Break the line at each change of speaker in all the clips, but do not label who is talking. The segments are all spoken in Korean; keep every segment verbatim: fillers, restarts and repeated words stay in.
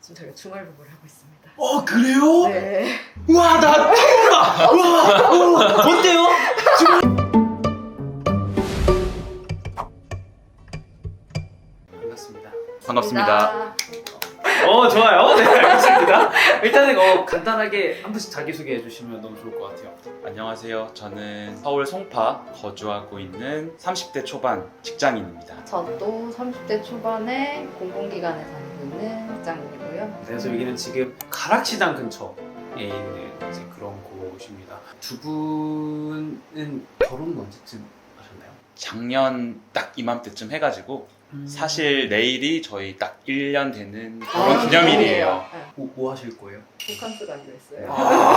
지금 저희가 주말부부를 하고 있습니다.
어 그래요?
네.
와 나 처음이다. 와 어, 어때요? 지금 반갑습니다.
반갑습니다.
어 좋아요. 네 알겠습니다. 일단은 어, 간단하게 한 분씩 자기소개해 주시면 너무 좋을 것 같아요.
안녕하세요. 저는 서울 송파 거주하고 있는 삼십 대 초반 직장인입니다.
저도 삼십 대 초반에 공공기관에 다니고 있는 직장인이고요.
그래서 여기는 지금 가락시장 근처에 있는 이제 그런 곳입니다. 두 분은 결혼 언제쯤 하셨나요?
작년 딱 이맘때쯤 해가지고
음.
사실 내일이 저희 딱 일 년 되는
아,
결혼 기념일이에요.
네.
뭐, 뭐 하실 거예요?
호캉스 가기로 했어요.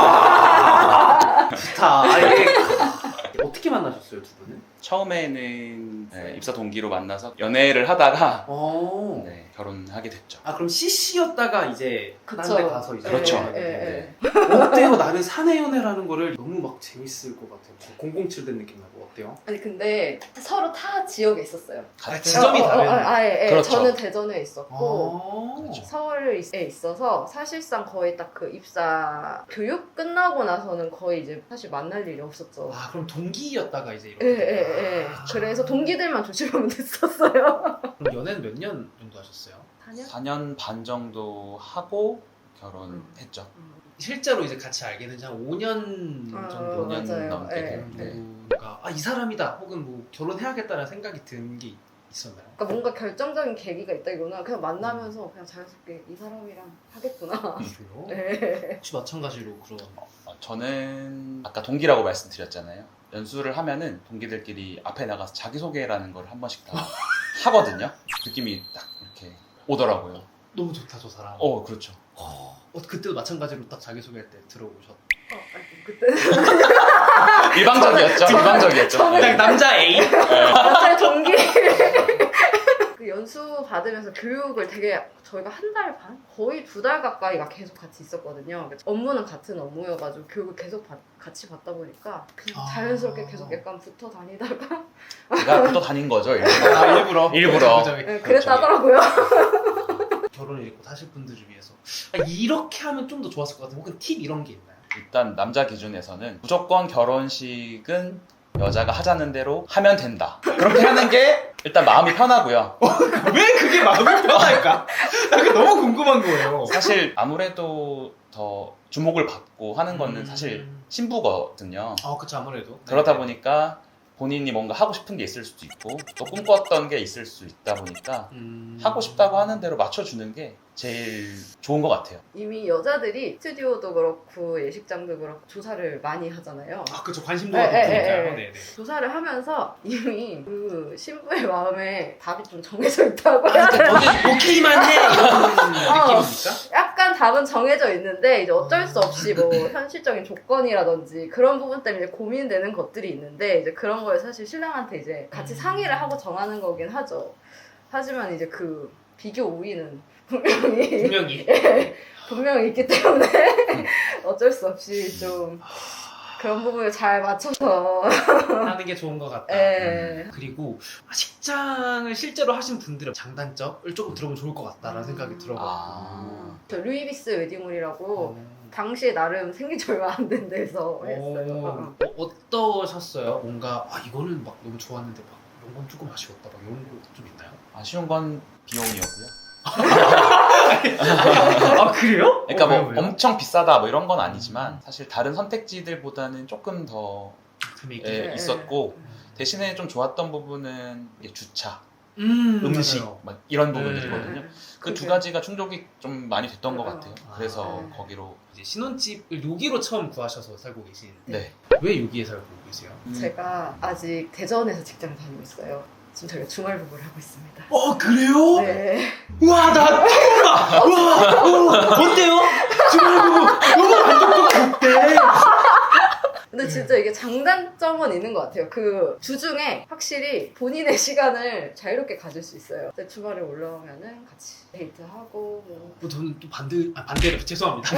아, 좋다. 아, 이게 어떻게 만나셨어요, 두 분은?
처음에는 네, 입사 동기로 만나서 연애를 하다가
어.
네, 결혼하게 됐죠.
아 그럼 씨씨였다가 이제
그쵸.
딴 데 가서 이제
그렇죠.
연애를
예,
했는데
예, 예.
어때요? 나는 사내 연애라는 거를 너무 막 재밌을 것 같아요. 공공칠 된 느낌 나고 어때요?
아니 근데 서로 타 지역에 있었어요.
아, 지점이
어, 어, 어,
다른.
아, 예, 예.
그렇죠.
저는 대전에 있었고
아.
그렇죠.
서울에 있어서 사실상 거의 딱 그 입사 교육 끝나고 나서는 거의 이제 사실 만날 일이 없었죠.
아 그럼 동기였다가 이제 이렇게.
예, 예, 예.
아.
그래서 동기들만 조심하면 됐었어요.
그럼 연애는 몇 년 정도 하셨어요?
사 년?
사 년 반 정도 하고 결혼했죠.
실제로 이제 같이 알게 된 지 한 오 년
어,
정도
오 년
맞아요.
넘게
예,
됐는데
예.
정도가 아 이 사람이다 혹은 뭐 결혼해야겠다는 생각이 든 게 있었나요?
그러니까 뭔가 결정적인 계기가 있다기보다 그냥 만나면서 그냥 자연스럽게 이 사람이랑 하겠구나.
그래요?
네.
혹시 마찬가지로 그런
어, 저는 아까 동기라고 말씀드렸잖아요. 연수를 하면은 동기들끼리 앞에 나가서 자기소개라는 걸 한 번씩 다 하거든요. 느낌이 딱 이렇게 오더라고요.
너무 좋다 저 사람.
어, 그렇죠.
어, 그때도 마찬가지로 딱 자기소개할 때 들어오셨.
어, 아니, 그때
일방적이었죠. 일방적이었죠.
저는-
네.
남자 A.
갑자기 동기 그 연수 받으면서 교육을 되게 저희가 한 달 반? 거의 두 달 가까이가 계속 같이 있었거든요. 업무는 같은 업무여가지고 교육을 계속 받, 같이 받다 보니까 그냥
아.
자연스럽게 계속 약간 붙어 다니다가
제가 붙어 다닌 거죠. 일부러.
아, 일부러.
일부러.
그죠, 그죠.
네, 그랬다더라고요.
결혼을 잃고 사실 분들을 위해서 아, 이렇게 하면 좀 더 좋았을 것 같아요. 혹은 팁 이런 게 있나요?
일단 남자 기준에서는 무조건 결혼식은 여자가 하자는 대로 하면 된다. 그렇게 하는 게 일단 마음이 편하고요.
왜 그게 마음이 편할까? 나 그게 너무 궁금한 거예요.
사실 아무래도 더 주목을 받고 하는 거는
음.
사실 신부거든요.
아 그쵸 아무래도
그러다
네.
보니까 본인이 뭔가 하고 싶은 게 있을 수도 있고 또 꿈꿨던 게 있을 수 있다 보니까
음...
하고 싶다고 하는 대로 맞춰주는 게 제일 좋은 것 같아요.
이미 여자들이 스튜디오도 그렇고 예식장도 그렇고 조사를 많이 하잖아요.
아 그쵸 관심도가
네, 네,
높으니까요.
네, 네.
네네.
조사를 하면서 이미 그 신부의 마음에 답이 좀 정해져 있다고
아,
해야
그러니까
되나?
너는 오케이만 해 이런
어.
느낌입니까?
약간 답은 정해져 있는데 이제 어쩔 수 없이 뭐 현실적인 조건이라든지 그런 부분 때문에 고민되는 것들이 있는데 이제 그런 걸 사실 신랑한테 이제 같이 상의를 하고 정하는 거긴 하죠. 하지만 이제 그 비교 우위는 분명히
분명히
분명히 있기 때문에 어쩔 수 없이 좀 그런 부분을 잘 맞춰서
하는 게 좋은 것 같다.
예.
그리고 식장을 실제로 하신 분들의 장단점을 조금 들어보면 좋을 것 같다라는
음.
생각이 들어가지고
아.
저 루이비스 웨딩홀이라고
어.
당시에 나름 생긴 지 얼마 안 된 데서 했어요.
어, 어, 어떠셨어요? 뭔가 아 이거는 막 너무 좋았는데 막 이런 건 조금 아쉬웠다 막 이런 거 좀 있나요?
아쉬운 건 비용이었고요.
아 그래요?
그러니까
어,
뭐
왜요, 왜요?
엄청 비싸다 뭐 이런 건 아니지만 사실 다른 선택지들보다는 조금 더
금액이
예,
네.
있었고 대신에 좀 좋았던 부분은 이게 주차,
음,
음식
맞아요.
막 이런
네.
부분들이거든요. 그 두
그게-
가지가 충족이 좀 많이 됐던 것
맞아요.
같아요. 그래서
아.
거기로
이제 신혼집을 여기로 처음 구하셔서 살고 계신
네.
왜 여기에 살고 계세요?
음.
제가 아직 대전에서 직장을 다니고 있어요. 지금 저희가 주말부부를 하고 있습니다.
어 그래요?
네.
와 나 처음이다. 와 어, 어때요? 지금 너무 만족도가 높대.
근데 진짜 이게 장단점은 있는 것 같아요. 그 주중에 확실히 본인의 시간을 자유롭게 가질 수 있어요. 근데 주말에 올라오면은 같이 데이트하고 뭐
뭐 저는 또 반대 아, 반대로 죄송합니다.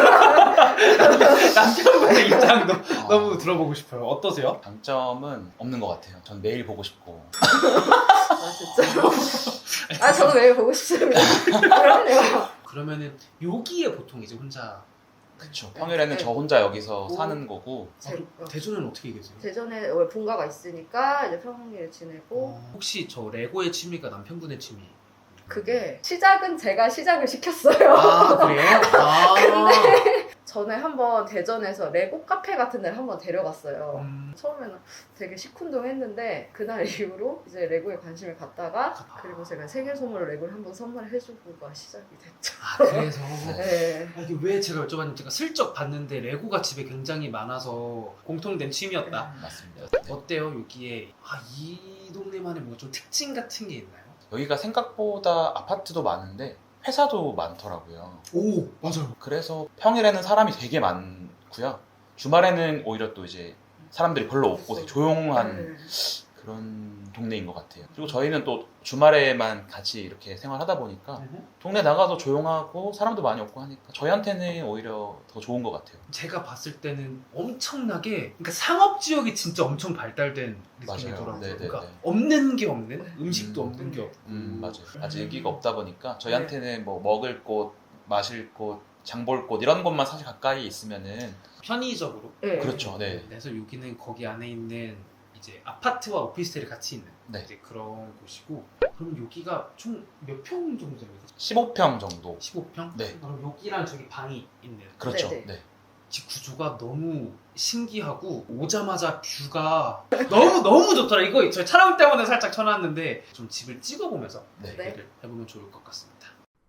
남편분의 입장도
어,
너무 들어보고 싶어요. 어떠세요?
장점은 없는 것 같아요. 전 매일 보고 싶고
아 진짜. 아 저도 매일 보고 싶습니다. 그럼요.
그러면은 여기에 보통 이제 혼자
그쵸. 평일에는
네.
저 혼자 여기서
오.
사는 거고
제, 어,
대전은 어떻게 계세요?
대전에 원래 본가가 있으니까 이제 평일에 지내고
어, 혹시 저 레고의 취미가 남편분의 취미?
그게 시작은 제가 시작을 시켰어요.
아 그래요? 아
근데 전에 한번 대전에서 레고 카페 같은 데를 한번 데려갔어요.
음,
처음에는 되게 시큰둥했는데 그날 이후로 이제 레고에 관심을 갖다가
아.
그리고 제가 생일 선물로 레고를 한번 선물해주고가 시작이 됐죠.
아 그래서
네.
아, 이게 왜 제가 여쭤봤는지 제가 슬쩍 봤는데 레고가 집에 굉장히 많아서 공통된 취미였다.
맞습니다. 네.
어때요 여기에 아, 이 동네만의 뭐 좀 특징 같은 게 있나요?
여기가 생각보다 아파트도 많은데 회사도 많더라고요.
오 맞아요.
그래서 평일에는 사람이 되게 많고요. 주말에는 오히려 또 이제 사람들이 별로 없고 되게 조용한
네.
그런 동네인 것 같아요. 그리고 저희는 또 주말에만 같이 이렇게 생활하다 보니까 동네 나가서 조용하고 사람도 많이 없고 하니까 저희한테는 오히려 더 좋은 것 같아요.
제가 봤을 때는 엄청나게 그러니까 상업 지역이 진짜 엄청 발달된
맞아요.
느낌이더라고요.
네네네.
그러니까 없는 게 없는 음식도
음.
없는 게 없고
음 맞아요. 아직 여기가 없다 보니까 저희한테는 뭐 먹을 곳, 마실 곳, 장볼 곳 이런 곳만 사실 가까이 있으면은
편의적으로
네.
그렇죠. 네.
그래서 여기는 거기 안에 있는 이제 아파트와 오피스텔이 같이 있는
네.
이제 그런 곳이고 그럼 여기가 총 몇 평 정도 됩니까?
십오 평 정도.
십오 평?
네.
그럼 여기랑 저기 방이 있는
그렇죠.
네네.
네.
집 구조가 너무 신기하고 오자마자 뷰가 너무 너무 좋더라. 이거 저희 촬영 때문에 살짝 쳐놨는데 좀 집을 찍어보면서
네.
네.
얘기를 해보면 좋을 것 같습니다.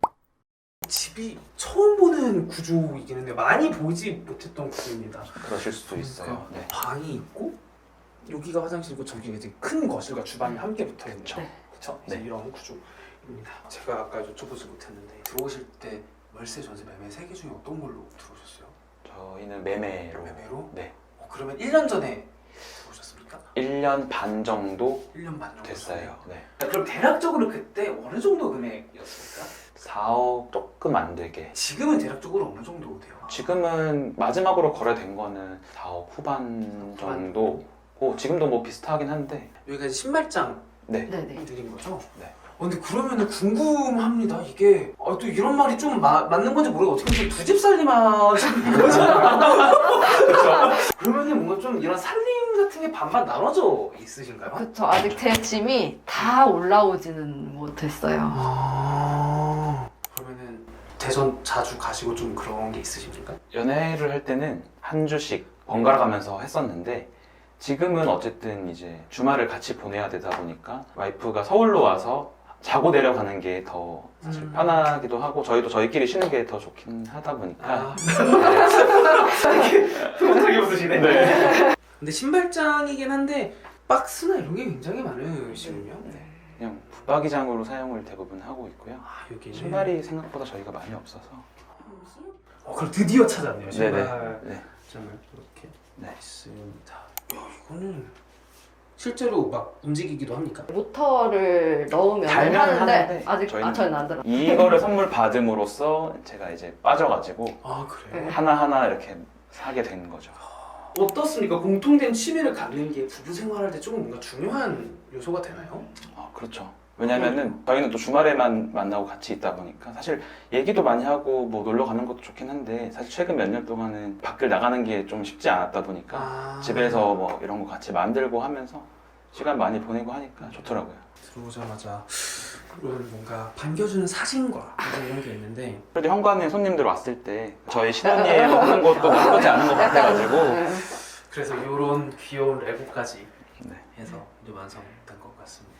집이 처음 보는 구조이긴 한데 많이 보지 못했던 구조입니다.
그러실 수도 있어요. 네.
방이 있고 여기가 화장실이고 저기가 이제 큰 거실과 주방이 함께 붙어 있는
그쵸.
네.
그쵸? 이제
네.
이런 구조입니다. 제가 아까 여쭤보지 못했는데 들어오실 때 월세, 전세, 매매 세 개 중에 어떤 걸로 들어오셨어요?
저희는 매매로.
매매로?
네.
어, 그러면 일 년 전에 들어오셨습니까?
일 년 반 정도
일 년 반 정도
됐어요.
전에.
네.
그럼 대략적으로 그때 어느 정도 금액이었습니까?
사억 조금 안 되게.
지금은 대략적으로 어느 정도 돼요?
지금은 마지막으로 거래된 거는 사억 후반 정도고 지금도 뭐 비슷하긴 한데.
여기가 이제 신발장
네.
네네.
드린 거죠?
네.
어, 근데 그러면은 궁금합니다. 이게 아, 또 이런 말이 좀 마, 맞는 건지 모르고 어떻게 보면 두 집 살림하시는 거잖아요. 그렇죠? 그러면은 뭔가 좀 이런 살림 같은 게 반반 나눠져 있으신가요?
그쵸. 아직 제 짐이 다 올라오지는 못했어요.
아 그러면은 대전 자주 가시고 좀 그런 게 있으십니까?
연애를 할 때는 한 주씩 번갈아 가면서 했었는데 지금은 어쨌든 이제 주말을 같이 보내야 되다 보니까 와이프가 서울로 와서 자고 내려가는 게 더 사실
음.
편하기도 하고 저희도 저희끼리 쉬는 게 더 좋긴 하다 보니까
아 흐뭇하게 웃으시네.
네.
근데 신발장이긴 한데 박스나 이런 게 굉장히 많으시군요.
네. 그냥 붙박이장으로 사용을 대부분 하고 있고요.
아 여기는
신발이 생각보다 저희가 많이 없어서.
어 그럼 드디어 찾았네요.
네네.
신발장을
네.
이렇게
네.
있습니다. 야 이거는 실제로 막 움직이기도 합니까?
모터를 넣으면
달면
하는데,
하는데
아직
저희는
아, 저는 안 들어.
이거를 선물 받음으로써 제가 이제 빠져가지고
아 그래요?
네.
하나하나 이렇게 사게 된 거죠.
어떻습니까? 공통된 취미를 갖는 게 부부 생활할 때 조금 뭔가 중요한 요소가 되나요?
아, 그렇죠. 왜냐면은 저희는 또 주말에만 만나고 같이 있다 보니까 사실 얘기도 많이 하고 뭐 놀러 가는 것도 좋긴 한데 사실 최근 몇 년 동안은 밖을 나가는 게 좀 쉽지 않았다 보니까
아...
집에서 뭐 이런 거 같이 만들고 하면서 시간 많이 보내고 하니까 좋더라고요.
들어오자마자 그런 뭔가 반겨주는 사진과 이런 게 있는데
그래도 현관에 손님들 왔을 때 저희 신혼여행 하는 것도 나쁘지 않은 것 같아가지고
네.
그래서 이런 귀여운 레고까지
네.
해서 이제 완성된 것 같습니다.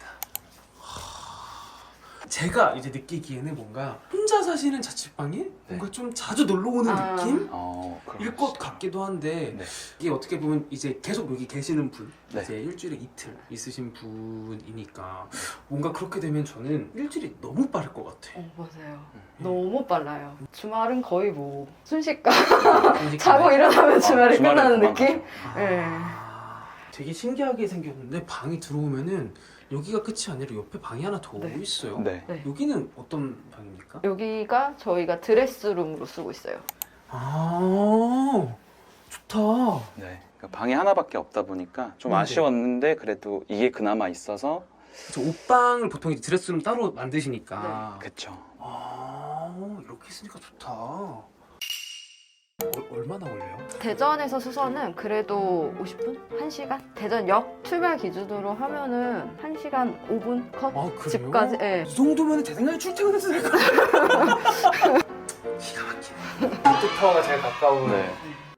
제가 이제 느끼기에는 뭔가 혼자 사시는 자취방에 뭔가 좀 자주 놀러 오는
아.
느낌?
어, 그럴
일
수
것
있어요.
같기도 한데
네.
이게 어떻게 보면 이제 계속 여기 계시는 분
네.
이제 일주일에 이틀 있으신 분이니까 뭔가 그렇게 되면 저는 일주일이 너무 빠를 것 같아.
어, 맞아요.
음.
너무 빨라요. 주말은 거의 뭐 순식간
그러니까
자고 일어나면 주말이
아, 주말에
끝나는
그만
느낌?
아,
네.
되게 신기하게 생겼는데 방이 들어오면은 여기가 끝이 아니라 옆에 방이 하나 더
네.
있어요.
네.
네.
여기는 어떤 방입니까?
여기가 저희가 드레스룸으로 쓰고 있어요.
아 좋다.
네. 그러니까 방이 하나밖에 없다 보니까 좀
네.
아쉬웠는데 그래도 이게 그나마 있어서
저 옷방을 보통 이제 드레스룸 따로 만드시니까.
그쵸.
아 어 이렇게 있으니까 좋다. 어, 얼마나 걸려요?
대전에서 수서는 그래도 오십 분? 한 시간? 대전역 출발 기준으로 하면은 한 시간 오 분 컷?
아 그래요?
집까지, 예.
이 정도면 제 생각에 출퇴근해도 될 것 같아요. 기가 막히네. 롯데타워가 제일 가까운
네.